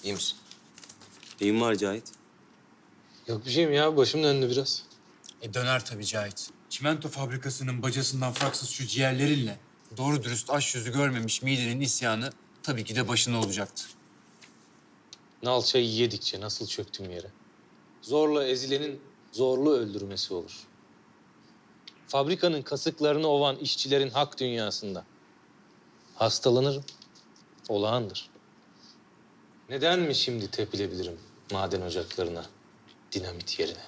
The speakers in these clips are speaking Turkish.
İyi misin? Neyin var Cahit? Yok bir şeyim ya. Başım döndü biraz. Döner tabii Cahit. Çimento fabrikasının bacasından fraksız şu ciğerlerinle doğru dürüst aş yüzü görmemiş midenin isyanı tabii ki de başına olacaktı. Nal çayı yedikçe nasıl çöktüm yere. Zorla ezilenin zorlu öldürmesi olur. Fabrikanın kasıklarını ovan işçilerin hak dünyasında. Hastalanırım. Olağandır. Neden mi şimdi tepilebilirim maden ocaklarına, dinamit yerine?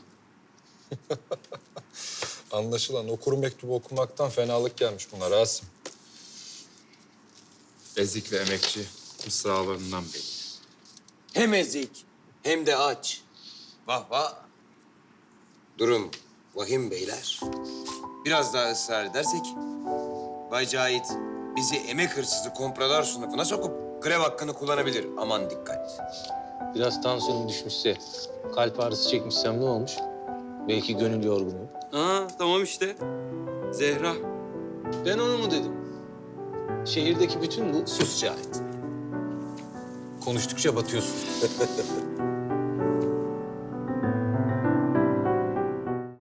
Anlaşılan o kuru mektubu okumaktan fenalık gelmiş buna Rasim. Ezik'le emekçi mısralarından belli. Hem ezik hem de aç. Vah vah. Durum vahim beyler. Biraz daha ısrar edersek Bay Cahit bizi emek hırsızı komprador sınıfına sokup grev hakkını kullanabilir. Aman dikkat. Biraz tansiyonum düşmüşse, kalp ağrısı çekmişsem ne olmuş? Belki gönül yorgunluğu. Aa tamam işte. Zehra. Ben onu mu dedim? Şehirdeki bütün bu... Sus Cahit. Konuştukça batıyorsun.